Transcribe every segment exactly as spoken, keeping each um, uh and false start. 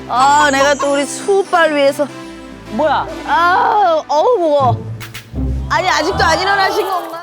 아, 내가 또 우리 수빨 위해서. 뭐야? 아, 어우, 무거워. 아니, 아직도 안 일어나신 건가?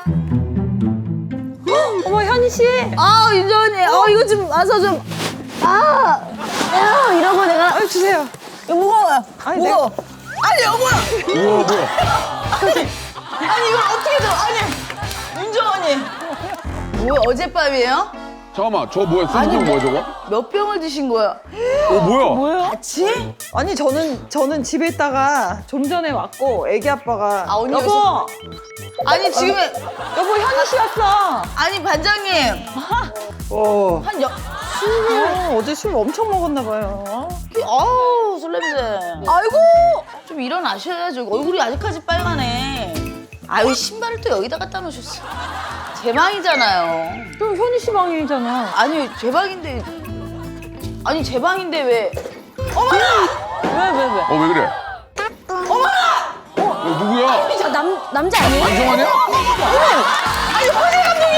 어머 현희 씨. 아, 윤정언니, 어, 이거 좀 와서 좀. 아, 야, 이러고 내가. 아 주세요. 이거 무거워요. 아니, 무거워. 아니, 여보야. 우와 뭐야? 아니, 이걸 어떻게 줘? 아니, 윤정언니. 뭐야, 어젯밤이에요? 잠깐만 저 뭐야? 소주병 뭐야 저거? 몇 병을 드신 거야? 어 뭐야? 뭐야? 같이? 아니 저는 저는 집에 있다가 좀 전에 왔고 애기 아빠가 아, 언니 여보 여기서- 아니, 지금, 여보 현희 씨 왔어. 아니, 반장님. 어, 한 여, 어, 어제 술 엄청 먹었나 봐요. 아우, 술 냄새. 아이고! 좀 일어나셔야죠. 얼굴이 아직까지 빨가네. 아유, 신발을 또 여기다 갖다 놓으셨어. 제 방이잖아요. 또 현희 씨 방이잖아. 아니, 제 방인데. 아니, 제 방인데 왜. 어머나! 왜 왜 왜? 어 왜 그래? 어머나! 어, 누구야? 저 남 남자 아니에요? 안정환이야? 아니, 허재 감독님!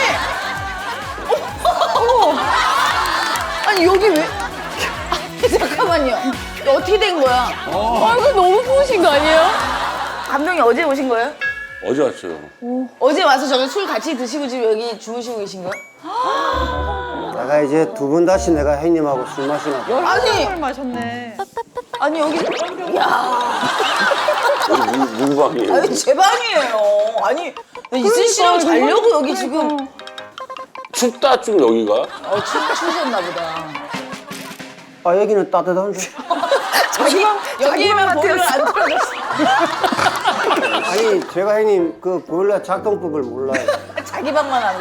아니! 어머! 아니, 여기 왜. 아니, 잠깐만요. 이거 어떻게 된 거야? 어. 얼굴 너무 부으신 거 아니에요? 감독님 어제 오신 거예요? 어제 왔어요. 어제 와서 저기 술 같이 드시고 지금 여기 주무시고 계신 거예요? 내가 이제 두 번 다시 내가 형님하고 술 마시나 봐. 열한 아니! 병을 마셨네. 아니 여기 야 누구 방이에요? 아니 제 방이에요. 아니 이슬 씨랑 자려고 여기 지금 춥다 좀 여기가. 어 추, 추우셨나 보다. 아, 여기는 따뜻한데. 자기 여기에만 보일러 안 틀어졌어. 아니, 제가 형님 그 보일러 작동법을 몰라요. 자기 방만 안 돼.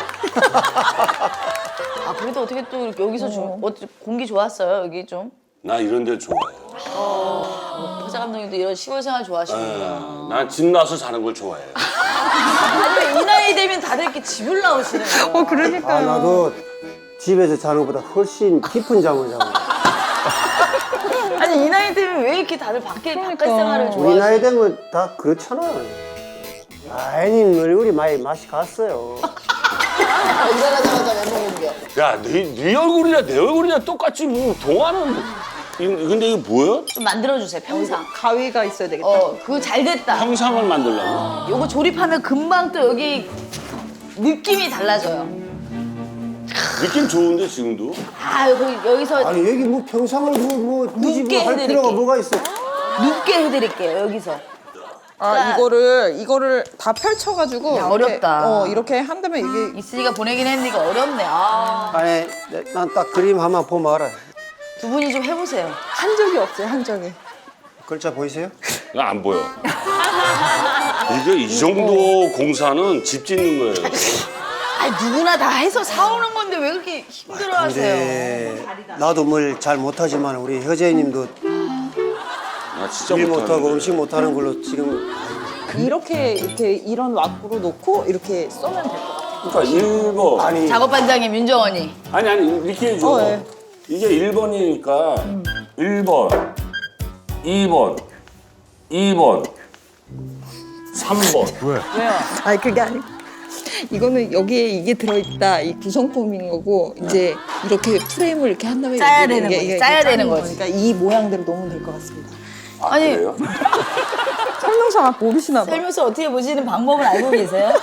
아 그래도 어떻게 또 이렇게 여기서 좀 어, 공기 좋았어요 여기 좀. 나 이런 데 좋아해. 허재 감독님도 이런 시골 생활 좋아하시는구나. 난 집 나서 사는 걸 좋아해. 아니 왜 이 나이 되면 다들 이렇게 집을 나오시는 거예요? 어 그러니까요. 아, 나도 집에서 자는 것보다 훨씬 깊은 잠을 자고. 아니 이 나이 되면 왜 이렇게 다들 밖에 바깥 생활을 우리 좋아하시는 나이 되면 다 그렇잖아. 아, 형님 얼굴이 많이 맛이 갔어요. 일어나자마자 멘붕 공격. 야, 네, 네 얼굴이냐 내 얼굴이냐 똑같지 뭐 동화는. 이- 근데 이거 뭐야? 좀 만들어주세요 평상. 가위가 있어야 되겠다. 어 그거 잘 됐다. 형상을 만들려고? 요거 조립하면 금방 또 여기 느낌이 달라져요. 느낌 좋은데 지금도? 아 여기 여기서 아니, 여기 뭐 평상을 뭐, 뭐 굳이 눕게 뭐 할 해드릴게. 필요가 뭐가 있어. 눕게 해드릴게요 여기서. 아 이거를 이거를 다 펼쳐가지고 야, 이렇게, 어렵다. 어 이렇게 한다면 이게 이슬이가 보내긴 했는데 이거 어렵네. 아, 아니, 난 딱 그림 하나 보면 알아요. 두 분이 좀 해보세요. 한 적이 없어요 한 적이. 글자 보이세요? 나 안 보여. 이게 이 정도 공사는 집 짓는 거예요. 아 누구나 다 해서 사오는 건데 왜 그렇게 힘들어하세요? 근데 나도 뭘 잘 못하지만 우리 효재님도 나 진짜 일 못하고 못하는데. 음식 못하는 걸로 지금 이렇게 이렇게 이런 왁구로 놓고 이렇게 쏘면 될 것 같아요. 그러니까 일 번. 아니 작업 반장님 윤정원이. 아니 아니 이렇게 해줘. 어, 예. 이게 일 번이니까 일 번, 이 번, 이 번, 삼 번. 왜? 왜요? 아니 그게 아니고 이거는 여기에 이게 들어있다 이 구성품인 거고 이제 이렇게 프레임을 이렇게 한 다음에 짜야 이게- 되는 이게- 거지, 이게 짜야 짜는 되는 거지. 거니까 이 모양대로 놓으면 될 것 같습니다. 아니 그래요? 설명서 모르시나 봐. 살면서 어떻게 보시는 방법을 알고 계세요?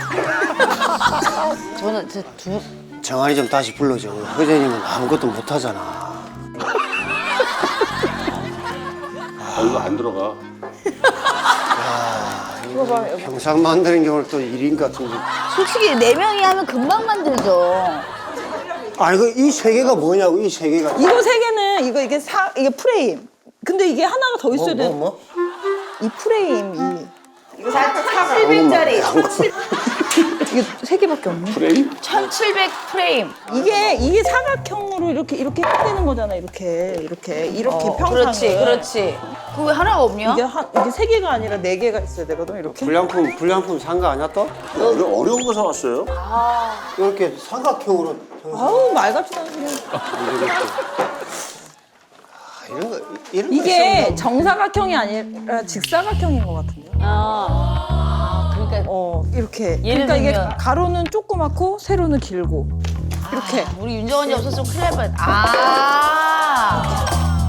저는 저 두. 정한이 좀 다시 불러줘. 효재님은 아무것도 못하잖아. 아, 이거 안 들어가. 이거 봐 여기. 평상 만드는 경우는 또 일인 것 같은데. 솔직히 네 명이 하면 금방 만들죠. 아니 그 이 세 개가 뭐냐고 이 세 개가. 이거 세 개는 이거 이게 사 이게 프레임. 근데 이게 하나가 더 있어야 돼. 뭐, 뭐? 이 프레임 이 이거 천칠백짜리. 이게 세 개밖에 없네. 프레임? 천칠백 프레임. 이게 이게 사각형으로 이렇게 이렇게 해야 되는 거잖아. 이렇게 이렇게 이렇게 어, 평상을. 그렇지, 그렇지. 그거 왜 하나가 없냐? 이게 한 이게 세 개가 아니라 네 개가 있어야 되거든. 이렇게. 불량품 불량품 산 거 아니야 또? 이거 어려운 거 사왔어요? 이렇게 사각형으로 평상 아우 말 같지도 않게. 이런 거 이런 거 이게 있으면 정사각형이 아니라 직사각형인 것 같은데요. 아, 그러니까 어 이렇게. 예를 그러니까 이게 들면- 가로는 조그맣고 세로는 길고 이렇게. 우리 윤정원이 없었으면 큰일 날 뻔했다. 아,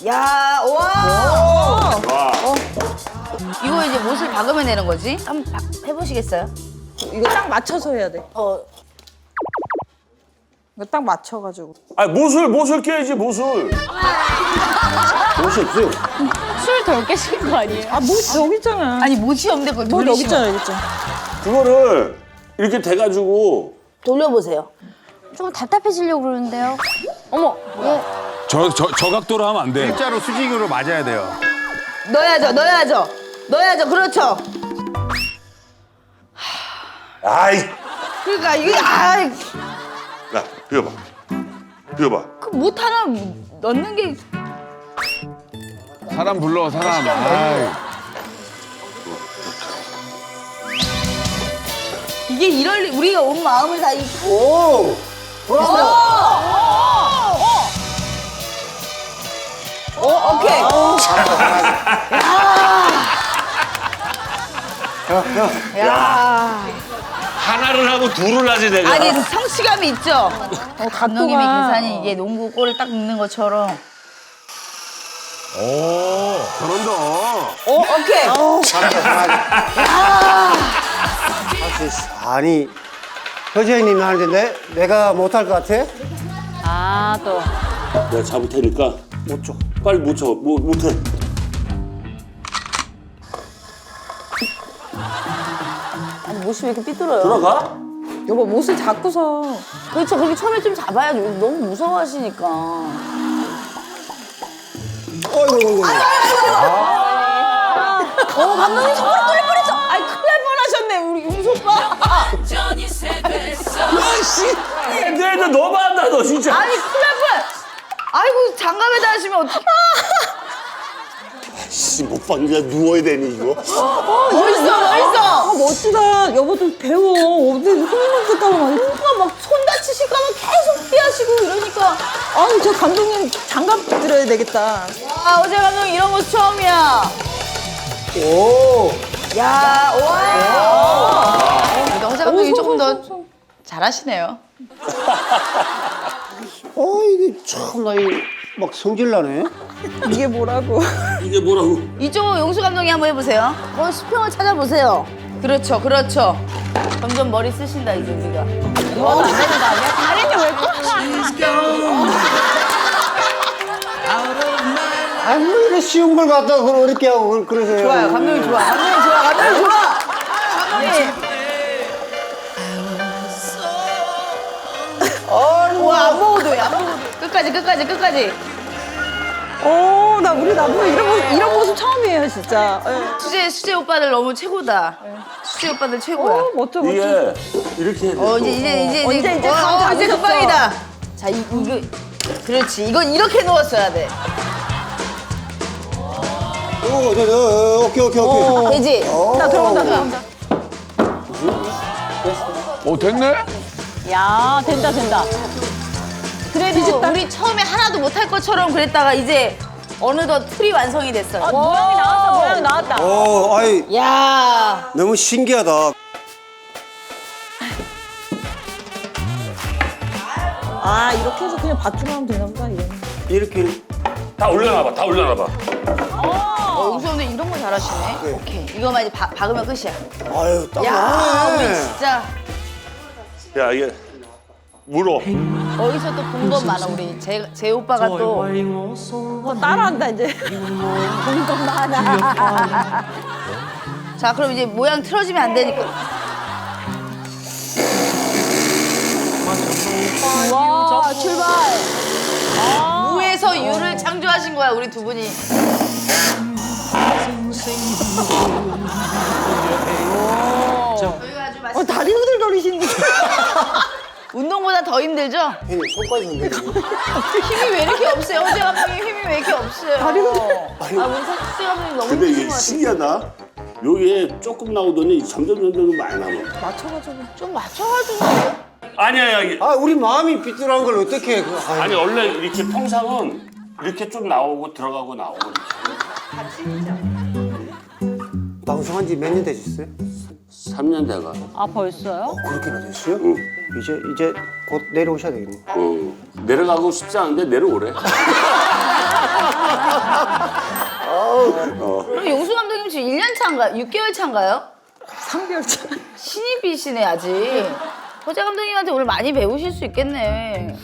야, 와. 와. 이거 이제 못을 박으면 되는 거지? 한번 박- 해보시겠어요? 이거 딱 맞춰서 해야 돼. 어. 이거 딱 맞춰가지고. 아 못을 못을 깨야지 못을. 옷이 없어요. 술 덜 깨신 거 아니에요? 아, 뭐 여기 있잖아. 아니 못이 없는데 그걸 뭐 여기 돌리시면 있잖아, 여기 있잖아. 그거를 이렇게 돼가지고 돌려보세요. 조금 답답해지려고 그러는데요. 어머, 얘 저, 저, 저 각도로 하면 안 돼. 일자로 수직으로 맞아야 돼요. 넣어야죠, 넣어야죠. 넣어야죠, 그렇죠. 아이 그러니까 이게 아, 야 비워봐 비워봐. 그못 하나 넣는 게 사람 불러, 사람. 아이. 이게 이럴 리 우리가 온 마음을 다 이. 오! 돌아왔어. 오, 오케이. 야. 하나를 하고 둘을 하지 내가. 아니 성취감이 있죠. 어, 감독님의 각도가. 계산이 이게 농구 골을 딱 넣는 것처럼. 저런다. 오, 오케이. 아니, 효재님이 하는데 내, 내가 못할 것 같아? 아, 또. 내가 잡을 테니까 못 줘. 빨리 못 쳐. 뭐 못해. 아니 못이 왜 이렇게 삐뚤어요? 들어가? 여보, 못을 잡고서. 그렇죠. 그렇게 처음에 좀 잡아야죠. 너무 무서워하시니까. 어이구, 어이구. 어, 감독님 손가락 떨릴 뻔했어. 아이, 큰일 날 뻔하셨네, 우리 윤수 오빠. 내가 너무 한다 너 진짜. 아니, 큰일 날 뻔. 아이고, 장갑에다 하시면 어떡해. 씨, 못 봤냐 누워야 되니 이거. 멋있어, 멋있어. 아, 멋지다. 여보도 배워. 어디 손만 쓸까봐 막. 누가 막 손 다치실까봐 계속 피하시고 이러니까. 아니, 저 감독님 장갑 들어야 되겠다. 아, 어제 감독님 이런 모습 처음이야. 오! 야, 와. 그러니까 허재 감독님 조금 더 잘하시네요. 어, 이게 참, 나, 이, 막 성질나네. 이게 뭐라고. 이게 뭐라고? 이쪽 용수 감독이 한번 해보세요. 거기 수평을 찾아보세요. 그렇죠, 그렇죠. 점점 머리 쓰신다 이제 우리가. 이거 안 되는 거 아니야? 다리는 왜 꼭? 아니, 뭐 이렇게 쉬운 걸 갖다가 그걸 어렵게 하고 그러- 그러세요. 좋아요, 감독님 좋아, 감독님 좋아, 감독님 좋아. 감독님. 어, 와, 안 먹어도 돼, 안 먹어도 돼. 끝까지, 끝까지, 끝까지. 어, 나 우리 남편 이런 모습, 이런 모습 처음이에요, 진짜. 예. 수재, 수재 오빠들 너무 최고다. 수재 오빠들 최고야. 어, 멋져, 멋져. 이게 이렇게 해야 돼. 어, 이제, 이제, 이제, 언제 이제 어, 감 어, 이제 잡으셨어. 금방이다. 자, 이, 이거, 그렇지. 이건 이렇게 누웠어야 돼. 오, 네, 네, 오케이, 오케이, 오케이. 되지? 자, 들어간다, 들어간다. 어, 됐네? 야, 된다, 된다. 그래도 우리 처음에 하나도 못할 것처럼 그랬다가 이제 어느덧 틀이 완성이 됐어요. 모양이 나왔다, 모양이 나왔다. 어, 아이, 야, 너무 신기하다. 아, 이렇게 해서 그냥 밧줄 하면 되나 보다, 이거는. 이렇게. 다 올려놔봐. 다 올려놔봐. 어, 용수 감독 이런 거 잘하시네. 오케이, 이거만 이제 바, 박으면 끝이야. 아유, 딱 야, 우리 나네. 진짜 야 이게 물어. 어디서 또 본 것 많아. 우리 제, 제 오빠가 또 어, 따라한다, 이제. 본 것 많아. 자, 그럼 이제 모양 틀어지면 안 되니까. 와, 출발. 무에서 유를 창조하신 거야, 우리 두 분이. 저희가 아주 맛있... 어, 다리 후들거리시는 게. 운동보다 더 힘들죠? 형님, 손까지 흔들리네. 힘이 왜 이렇게 없어요? 허재 감독님 힘이 왜 이렇게 없어요? 아, 우리 허재 감독님 너무 근데 힘드신 이게 것 같아요. 신기하다. 여기에 조금 나오더니 점점 점점 많이 남아. 맞춰가지고. 좀 맞춰가지고 해요. 아니야 여기. 아, 우리 마음이 삐뚤한 걸 어떻게 해. 그, 아이, 아니 원래 이렇게 평상은 이렇게 좀 나오고 들어가고 나오고. 방송한 지 몇 년 되셨어요? 삼 년 돼가. 아, 벌써요? 그렇게나 됐어요? 응. 이제, 이제 곧 내려오셔야 되겠네. 어. 내려가고 싶지 않은데 내려오래. 그럼 용수 감독님 지금 일 년 차인가요? 육 개월 차인가요? 삼 개월 차. 신입이시네 아직. 허재 감독님한테 오늘 많이 배우실 수 있겠네.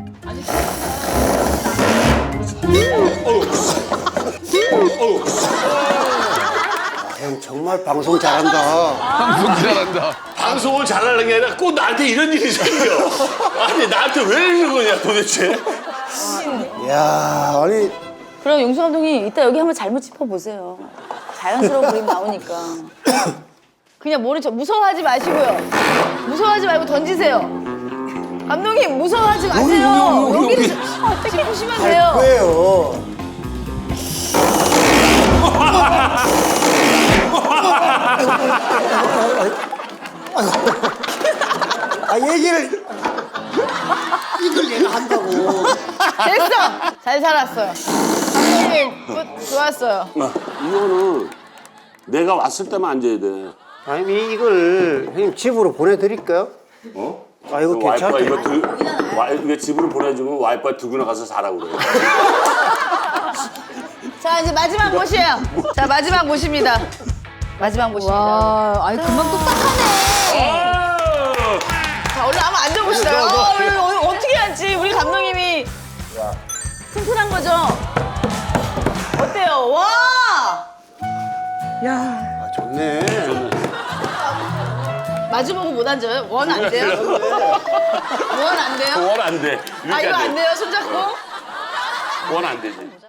형 정말 방송 잘한다. 방송 잘한다. 방송을 잘하는 게 아니라 꼭 나한테 이런 일이 생겨. 아니 나한테 왜 이러는 거냐 도대체. 야 아니 그럼 용수 감독님 이따 여기 한번 잘못 짚어보세요. 자연스러운 그림 나오니까. 그냥 모른 척 무서워하지 마시고요. 무서워하지 말고 던지세요. 감독님 무서워하지 마세요. 여기를 짚으시면 돼요. 왜요? 아 얘기를 이걸 내가 한다고. 됐어. 잘 살았어요. 감독님 끝 좋았어요. 이거는 내가 왔을 때만 앉아야 돼. 아니 이걸 형님 집으로 보내드릴까요? 어? 아 이거 그 와이프가 괜찮다. 이거 두, 와, 이거 집으로 보내주면 와이프가 두고 나가서 자라고 그래. 자 이제 마지막 모시에요. 자 마지막 모십니다. 마지막 모십니다. 와, 아니 금방 똑딱하네. 자 얼른 한번 앉아봅시다. 어, 오늘, 오늘 어떻게 앉지? 우리 감독님이 튼튼한 거죠? 어때요? 와! 야, 아, 좋네. 마주보고 못 앉아요? 원 안 돼요? 원 안 돼요? 원 안 돼. 아 이거 안 돼요? 손잡고? 원 안 되지.